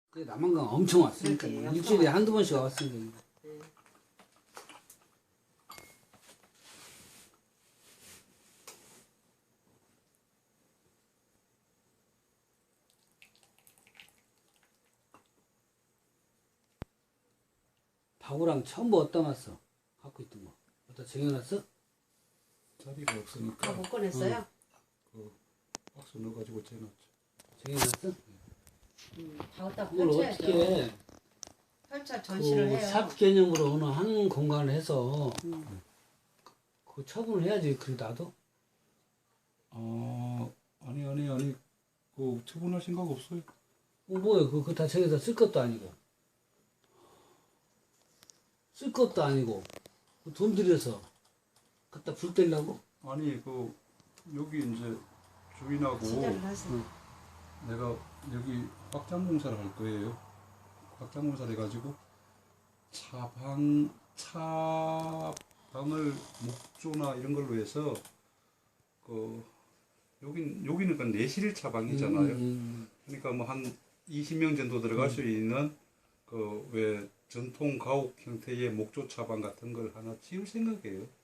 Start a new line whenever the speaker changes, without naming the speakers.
그 남한강 엄청 왔으니까
그렇지,
일주일에
엄청
한두 번씩 왔으니까. 바구랑 전부 어디다 놨어? 갖고 있던 거 어디다 쟁여놨어?
자리가 없으니까
다 못 꺼냈어요?
그 박스 넣어가지고 재놨죠.
쟁여놨어?
다 갖다
그걸
펼쳐야죠.
어떻게 해?
펼쳐 전시를 해요.
샵 개념으로 어느 한 공간을 해서 그 처분을 해야지. 그래 놔둬?
아니 그 처분할 생각 없어요.
뭐야 그거 다 저기다 쓸 것도 아니고 돈 들여서 갖다 불 떼려고?
아니 그 여기 이제 주인하고
시작을 하세요.
내가 여기 확장 공사를 할 거예요. 확장 공사를 해가지고 차방을 목조나 이런 걸로 해서 그 여기는 그 내실 차방이잖아요. 그러니까 뭐 한 20명 정도 들어갈 수 있는 그 왜 전통 가옥 형태의 목조 차방 같은 걸 하나 지을 생각이에요.